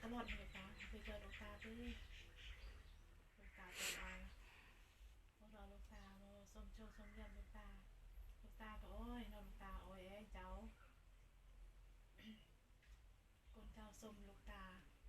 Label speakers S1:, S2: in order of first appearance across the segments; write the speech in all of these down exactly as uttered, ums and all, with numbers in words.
S1: ตลอดเลยตาไปเจอลูกตาด้วยลูกตาเป็นอะไรพวกเราลูกตาโมส้มโชว์ส้มเยี่ยมลูกตาลูกตาก็โอ้ยนอนลูกตาโอ้ยเจ้าคนเจ้าส้มลูกตา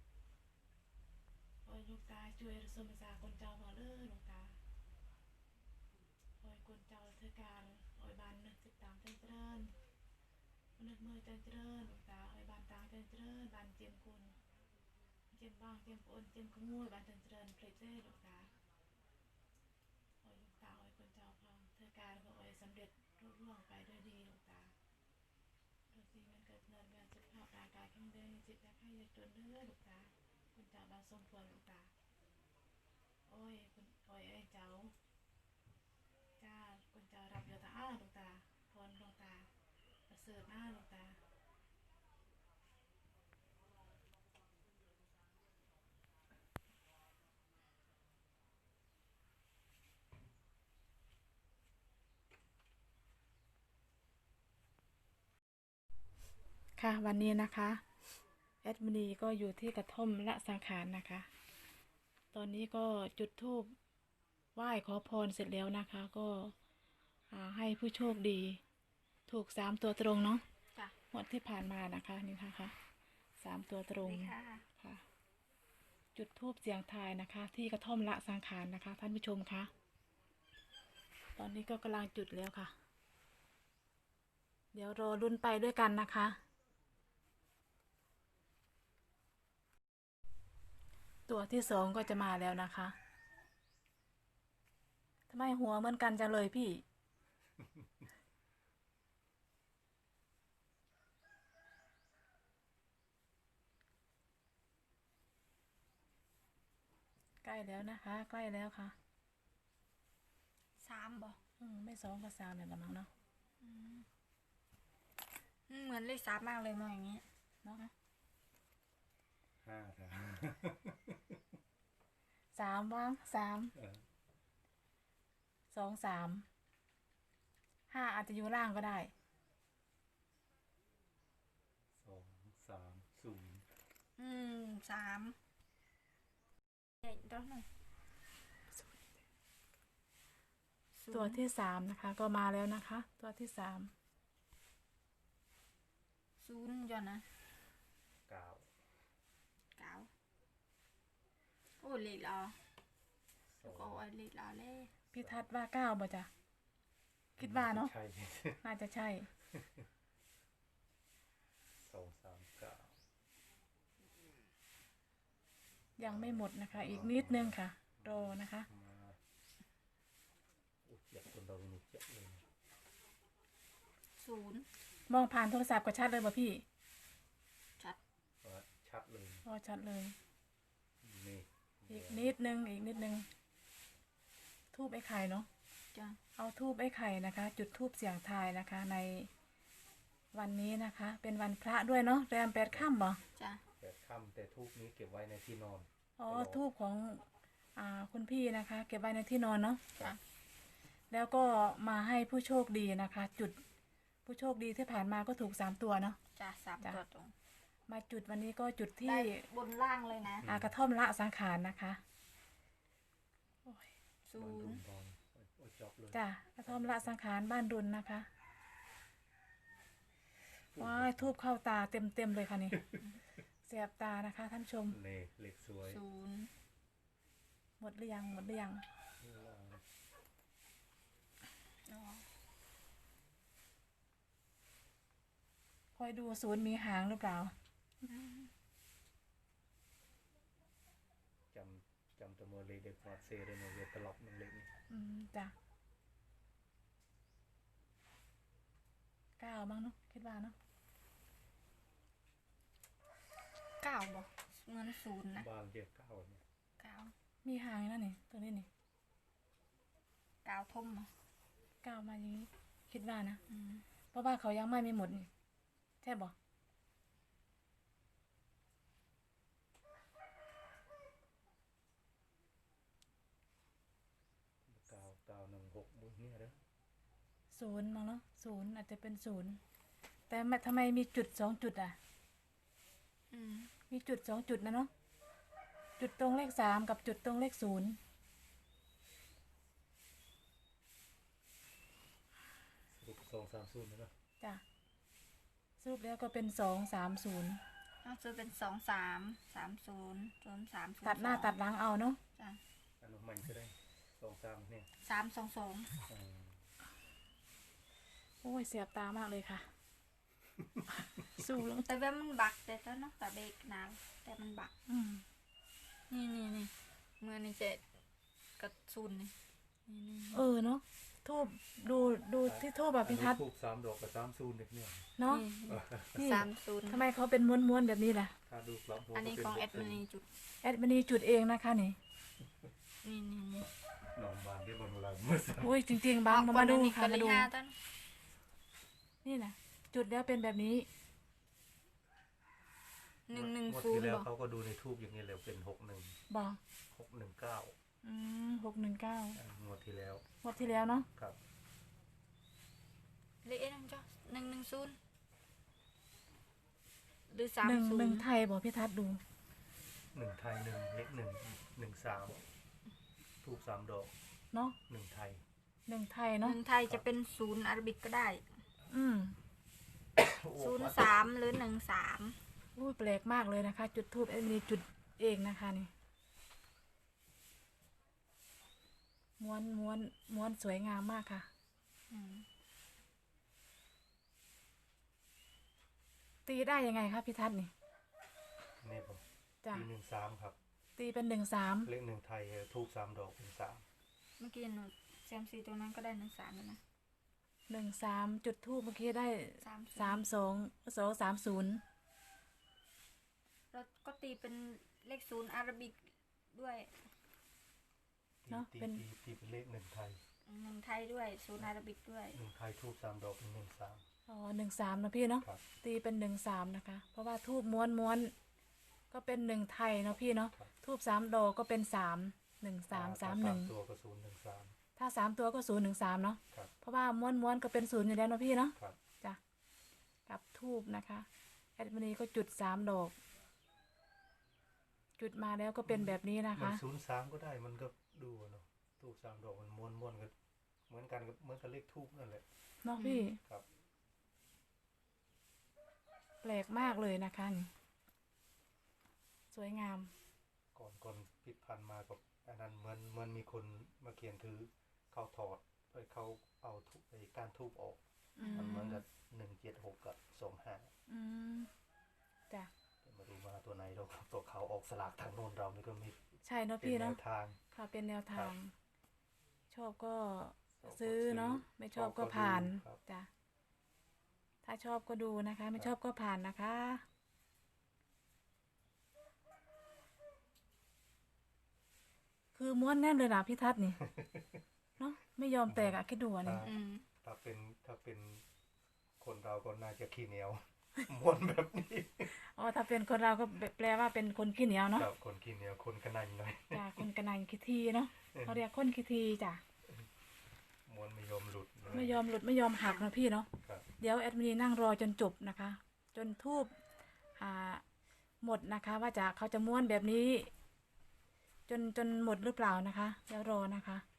S1: โอ้ยลูกตาช่วยส้มภาษาคนเจ้ามาเลยลูกตาโอ้ยคนเจ้าเธอการโอ้ยบานนึกติดตามเจริญนึกมือเจริญลูกตาโอ้ยบานตาเจริญบานเจียมคุณเจียมบ้างเจียมปนเจียมขโมยบานเจริญเพลเจ้ลูกตาโอ้ยลูกตาโอ้ยคนเจ้าพังเธอการก็โอ้ยสำเร็จรุ่ร่วงไปด้วยดีลูกตาดูสิมันเกิดเนินเวียนสุขภาพร่างกายแข็งแรงจิตใจให้จนเนื้อลูกตาคนเจ้าบานสมควรลูกตาโอ้ยคุณโอ้ยเอ้ยเจ้าจ้าคนเจ้ารับเยอะตาอ้าลูกตาพรลูกตาประเสริฐหน้าลูกตาค่ะวันนี้นะคะแอดมินีก็อยู่ที่กระท่อมละสังขารนะคะ ตอนนี้ก็จุดธูปไหว้ขอพรเสร็จแล้วนะคะ ก็ให้ผู้โชคดีถูกสามตัวตรงเนาะงวดที่ผ่านมานะคะนี่นะคะสามตัวตรงค่ะจุดธูปเสียงทายนะคะ ที่กระท่อมละสังขารนะคะ ท่านผู้ชมคะตอนนี้ก็กำลังจุดแล้วค่ะ เดี๋ยวรอลุ้นไปด้วยกันนะคะ ตัวที่สองก็จะมาแล้วนะคะทำไมหัวเหมือนกันจังเลยพี่ ใกล้แล้วนะคะ ใกล้แล้วค่ะ
S2: สามบ่
S1: อืมไม่สองก็สามเนี่ยละมั้งเนาะ
S2: เหมือนเลขสามมากเลยมองอย่างนี้
S1: เนาะ
S3: ห้าครับ
S1: สามว่างสามสองสามห้าอาจจะอยู่ล่างก็ได้
S3: สองสามศูนย์
S2: อืมสามเด็กตัวหนึ่ง
S1: ตัวที่สามนะคะ ก็มาแล้วนะคะ ตัวที่สาม
S2: ศูนย์ย้อนนะ
S3: เก้า
S2: เก้าโอ้เลขรอแล้วก็ไอ้เลขรอเล่
S1: พี่ทัศน์ว่าเก้าบ่จ้ะคิดว่าเนาะน่าจะใช่
S3: สองสามเก้า
S1: ยังไม่หมดนะคะ อีกนิดนึงค่ะรอนะคะ
S2: ศูนย์
S1: มองผ่านโทรศัพท์ก็ชัดเลยบ่พี่
S2: ชัด
S3: ชัดเลย
S1: พอชัดเลย
S3: นี่
S1: อีกนิดนึงอีกนิดนึงทูบไอ้ไข่เนาะ
S2: จ้ะ
S1: เอาทูบไอ้ไข่นะคะ จุดทูบเสียงทายนะคะ ในวันนี้นะคะ เป็นวันพระด้วยเนาะแรมแปดค่ำบ่
S2: จ้ะ
S3: แปดค่ำแต่ทูบนี้เก็บไว้ในที่นอน
S1: อ๋อทูบของอ่าคุณพี่นะคะ เก็บไว้ในที่นอนเนาะ
S2: จ้ะ
S1: แล้วก็มาให้ผู้โชคดีนะคะ จุดผู้โชคดีที่ผ่านมาก็ถูกสามตัวเนาะ
S2: จ้ะสามตัวตรง
S1: มาจุดวันนี้ก็จุดที่
S2: บนล่างเลยนะ
S1: อากระท่อมละสังขารนะคะ
S2: ศูนย์
S1: จ้ะกระท่อมละสังขารบ้านรุนนะคะว้ายทูบเข้าตาเต็มเต็มเลยค่ะนี่เสียบตานะคะท่านชม
S3: เล็กสวย
S2: ศูนย์
S1: หมดหรือยังหมดหรือยังคอยดูศูนย์มีหางหรือเปล่า
S3: จำจำตัวเลยเด็กฟอดเซเลยเนาะเวทตลอดมันเล็กนี่
S1: อืมจ้ะเก้าบ้างเนาะคิดว่าเนาะ
S2: เก้าบ่เงินศูนย์นะ
S3: บางเจ็ดเก้าเนี่ย
S2: เก้า
S1: มีหางนั่นนี่ตัวนี้นี่
S2: เก้าทุ่มอ่ะ
S1: เก้ามาอย่างนี้คิดว่านะเพราะว่าเขายังไม่มีหมดนี่ใช่บ่
S3: เก้าเก้าหนึ่งหกบุญเนี่ยเด้อ
S1: ศูนย์มั้งเนาะศูนย์อาจจะเป็นศูนย์แต่ทำไมมีจุดสองจุดอ่ะ
S2: อืม
S1: มีจุดสองจุดนะเนาะจุดตรงเลขสามกับจุดตรงเลขศูนย์
S3: สรุปสองสามศูนย์นะเนาะ
S1: จ้ะสรุปแล้วก็เป็นสองสามศูนย์
S2: เอาซื้อเป็นสองสามสามศูนย์ศูนย์สาม
S1: ตัดหน้าตัดหลังเอาเนาะ
S2: จ้ะ
S3: อันนั้นมันก็ได้สองสามเนี่ย
S2: สามสองสอง
S3: อืม
S1: โอ้ยเสียบตามากเลยค่ะ สู้แล้ว
S2: แต่ว่ามันบักแต่ตอนนั้นแต่เบรกนานแต่มันบัก
S1: อืม
S2: นี่นี่นี่เมื่อนี่เจ็ดกับศูนย์นี่นี่นี่
S1: เออเนาะทูบดูดูที่ทูบแบบพิทัศน์
S3: ทูบสามดอกกับสามศูนย์เนี่ย
S1: เนาะ
S2: นี่
S1: นี่
S2: สามศูนย์
S1: ทำไมเขาเป็นม้วนๆแบบนี้ล่ะ
S3: ถ้าดูกลับหัว
S2: อันนี้
S3: ก็
S2: ของ
S3: เป็
S2: แอดมินีจุด
S1: แอดมินีจุดเองนะคะนี่
S2: นี่นี่นี่
S3: หนองบางที่บนเวลาเมื่อสัก
S1: โอ้ยจริงๆบางมามาดูค่ะ
S2: กันเล
S1: มาย ดู
S2: ห้าต้น
S1: นี่นะจุดแล้วเป็นแบบนี้
S2: หนึ่งหนึ่ง
S3: งวด
S2: ศูน
S3: ที่
S2: ย์
S3: แล้ว
S2: บอก
S3: เขาก็ดูในทูบอย่างนี้แล้วเป็นหกหนึ่ง
S1: บอก
S3: หกหนึ่งเก้า
S1: อืมหกหนึ่งเก้าง
S3: วดที่แล้ว
S1: งวดที่แล้วเนาะ
S3: ครับ
S2: เลขนั่นจ้ะหนึ่งหนึ่งศูนย์หรือสาม
S1: หนึ่ง
S2: ศู
S1: ห
S2: น
S1: นึ่ง
S2: ย์
S1: ไทยบอกพี่ทัศน์ดู
S3: หนึ่งไทยหนึ่งเลขหนึ่งหนึ่งสามทูบสามดอก
S1: เนาะ
S3: หนึ่งไทย
S1: หนึ่งไทย
S2: ห
S1: เนาะ
S2: นึ่งไทยจะเป็นศูนย์อาราบิกก็ได้
S1: อืม
S2: ศูนย์สามหรือหนึ่งสาม
S1: อุ้ยแปลกมากเลยนะคะ จุดทูบแอดมินีจุดเองนะคะนี่ม้วนม้วนม้วนสวยงามมากค่ะ
S2: อืม
S1: ตีได้ยังไงครับพี่ทัศน์นี่
S3: นี่ผม
S1: จ้ะ
S3: ปีหนึ่งสามครับ
S1: ตีเป็นหนึ่งสาม
S3: เลขหนึ่งไทยทูบสามดอกเป็นสาม
S2: เมื่อกี้หนูแซมซีตรงนั้นก็ได้หนึ่งสามแล้วนะ
S1: หนึ่งสามจุดทูบเมื่อกี้ได้
S2: สาม
S1: สามสองสองสามศูนย์
S2: แล้วก็ตีเป็นเลขศูนย์อาราบิกด้วย
S3: ตีตีตีตีเป็นเลขหนึ่งไทย
S2: หนึ่งไทยด้วยศูนย์อาราบิกด้วย
S3: หนึ่งไทยทูบสามดอกเป็นหนึ่งสาม
S1: อ๋อหนึ่งสามนะพี่เนาะ
S3: ครับ
S1: ตีเป็นหนึ่งสามนะคะ เพราะว่าทูบม้วนม้วนก็เป็นหนึ่งไทยเนาะพี่เนาะ
S3: ครับ
S1: ทูบสามดอกก็เป็นสามหนึ่งสามสามหนึ่ง
S3: ตัวกระสุนหนึ่งสาม
S1: ถ้าสามตัวก็ศูนย์หนึ่งสามเนาะ
S3: ครับ
S1: เพราะว่าม้วนม้วนก็เป็นศูนย์อยู่แล้วเนาะพี่เนาะ
S3: ครับ
S1: จ้ะกับทูบนะคะแอดมินีก็จุดสามดอก จุดมาแล้วก็เป็นแบบนี้นะ
S3: มัน
S1: คะ
S3: ศูนย์สามก็ได้มันก็ดูอะเนาะทูบสามดอกมันม้วนม้วนกันเหมือนกันกับเหมือนกับเลขทูบนั่นแหละ
S1: เนาะพี่
S3: ครับ
S1: แปลกมากเลยนะคะนี่สวยงาม
S3: ก่อนก่อนพิดพันมากับอันนั้นเหมือนเหมือนมีคนมาเขียนถือเขาถอดไปเขาเอาทุบไอ้การทูบออก
S1: อืม
S3: มันเหมือนกับหนึ่งเจ็ดหกกับสองห้า
S1: อืมจ้ะ
S3: มาดูมาตัวไหนเราครับตัวเขาออกสลากทางโน้นเรานี่ก็มี
S1: ใช่เนาะ
S3: เป็น
S1: พี่
S3: แน
S1: เนาะ
S3: วทาง
S1: ค่ะเป็นแนวทาง ชอบก็
S3: ชอบก็
S1: ซื้อเนาะ
S3: ซื้อ
S1: ไม่ชอบก็
S3: ชอบก็
S1: ผ่าน
S3: ดูครับ
S1: จ้ะถ้าชอบก็ดูนะคะ ไม่
S3: ครับ
S1: ชอบก็ผ่านนะคะ คือม้วนแน่นเลยนะพี่ทัศน์นี่ เนาะไม่ยอมแตกอะคิดดูอะนี่
S2: อืม
S3: ถ้าเป็นถ้าเป็นคนเราก็น่าจะขี้เหนียว ม้วนแบบนี้
S1: อ๋อถ้าเป็นคนเราก็แปลว่าเป็นคนขี้เหนียวเนาะ
S3: กับคนขี้เหนียวคนกระนันหน่อย
S1: จ้ะคนกระนันขี้ทีเนาะเขาเรียกคนขี้ทีจ้ะ
S3: ม้วนไม่ยอมหลุดเลย
S1: ไม่ยอมหลุดไม่ยอมหักนะพี่เนาะ
S3: ครับ
S1: เดี๋ยวแอดมินนั่งรอจนจบนะคะ จนทูบอ่าหมดนะคะ ว่าจะเขาจะม้วนแบบนี้ จนจนหมดหรือเปล่านะคะเดี๋ยวรอนะคะ